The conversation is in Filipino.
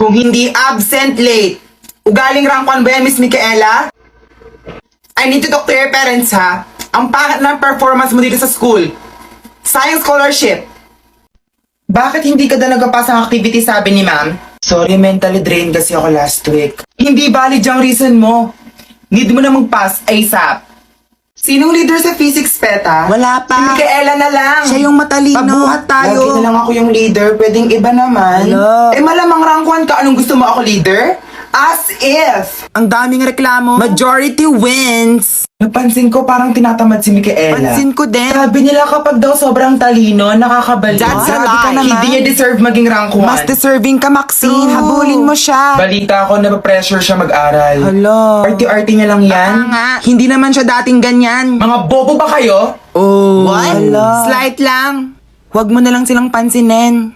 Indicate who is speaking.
Speaker 1: Kung hindi absent, late. Ugaling rank 1 ba yan, Miss Micaela? I need to talk to your parents, ha? Ang pangit ng performance mo dito sa school. Science scholarship. Bakit hindi ka na nagpapasa ng activity, sabi ni ma'am? Sorry, mentally drained kasi ako last week. Hindi valid yung reason mo. Need mo na mag-pass ASAP. Sinong leader sa physics, Peta?
Speaker 2: Wala pa.
Speaker 1: Si Micaela na lang.
Speaker 2: Siya yung matalino.
Speaker 1: Pabuhat tayo. Lagi na lang ako yung leader. Pwedeng iba naman.
Speaker 2: Hello.
Speaker 1: Eh malamang rank 1 ka. Anong gusto mo ako leader? As if.
Speaker 2: Ang daming reklamo. Majority wins.
Speaker 1: Napansin ko parang tinatamad si Micaela.
Speaker 2: Pansin ko din.
Speaker 1: Sabi nila kapag daw sobrang talino, nakakabalik.
Speaker 2: That's a
Speaker 1: Grabe ka
Speaker 2: lie.
Speaker 1: naman. Hindi niya deserve maging rank 1.
Speaker 2: Mas deserving ka, Maxine.
Speaker 1: True.
Speaker 2: Habulin mo siya.
Speaker 1: Balita ko na pressure siya mag-aral.
Speaker 2: Hala.
Speaker 1: Arty-arty niya lang yan.
Speaker 2: Nga. Hindi naman siya dating ganyan.
Speaker 1: Mga bobo ba kayo?
Speaker 2: Oh.
Speaker 1: What?
Speaker 2: Hala. Slight lang. Huwag mo na lang silang pansinin.